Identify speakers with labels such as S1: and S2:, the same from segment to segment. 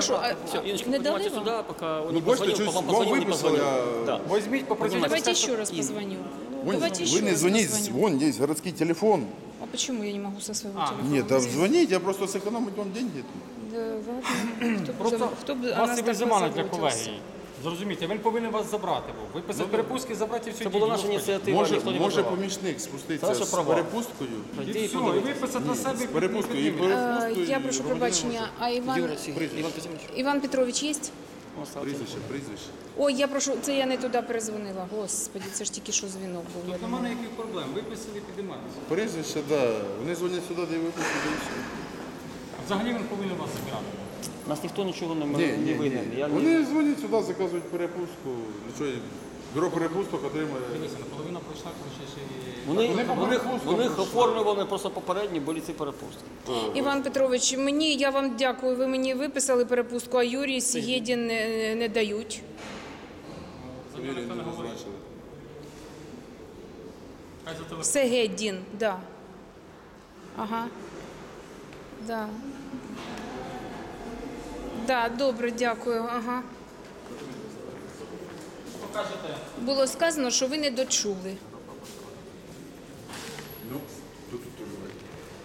S1: що,
S2: Все, Инночка,
S1: не дали
S2: поднимайте
S1: вам?
S2: сюда, пока он
S3: Ну,
S2: не
S3: бачите,
S2: позвонил,
S3: щось
S2: вам
S3: вам
S2: позвонил, не
S3: виписали,
S2: позвонил. Да.
S4: Візьміть, попросіть.
S1: Давайте
S2: Понимаете,
S1: еще раз позвоню.
S3: Вон,
S1: Давайте еще
S3: вы не
S1: раз
S3: звоните,
S1: позвоню.
S3: вон есть городский телефон.
S1: А почему я не могу со своего телефона?
S3: Нет, да звоните, я просто сэкономить вам деньги.
S1: Да, ладно.
S4: Просто
S1: Хто б о
S4: вас
S1: нас
S4: і
S1: так
S4: визимали для
S1: позаботився?
S4: колегії. Зрозумійте, він повинен вас забрати був. Виписати перепустки, забрати і все.
S2: Это была наша инициатива, никто не
S3: Може
S2: вызывал.
S3: помічник
S2: Це
S3: спуститися
S2: ваша
S3: з
S2: права.
S3: перепусткою.
S4: І
S2: Иди и
S4: все, і
S2: подавай.
S4: виписати на себе.
S3: З перепусткою і перепусткою.
S1: Я прошу пробачення, а Іван
S2: Юра, Иван Петрович,
S1: Іван Петрович є?
S2: он остался.
S3: Прізвище.
S1: Ой, я прошу, це я не туди перезвонила. Господи, це ж тільки що дзвінок був.
S4: Тут немає ніяких проблем. Виписали, підійматися.
S3: Прізвище, да. Вони дзвонять сюди, де випустять, і все.
S4: Взагалі він повинен вас забирати.
S2: Нас никто ничего не
S3: Ні.
S2: выгнали. Я не-
S3: Вони дзвонять сюди, заказують перепустку. Нічого, бюро перепусток отримує.
S4: Дивіться, наполовина пройшла, коли ще
S2: Вони їх оформлювали просто попередні, були ці перепустки.
S1: Іван Петрович, я вам дякую, ви мені виписали перепустку, а Юрій Сєдін не дають.
S3: Юрій не назначили.
S4: Хай за телефон.
S1: Сегедін, да. Ага. Да. Да, добре, дякую. Ага.
S4: Покажете.
S1: Було сказано, що ви не дочули.
S3: Ну, тут давайте.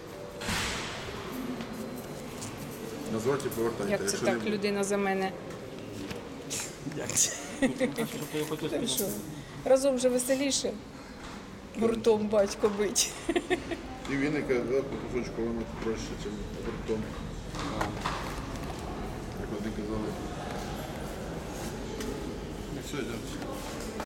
S3: Назвати і повертайте.
S1: Як це
S3: Якщо
S1: так
S3: не-
S1: людина за мене?
S2: Що?
S1: Що? Разом вже веселіше. Гуртом батько бить.
S3: І віника, да, по кусочку воно проще, ніж гуртом. Як вони казали. Ну все, йдемо.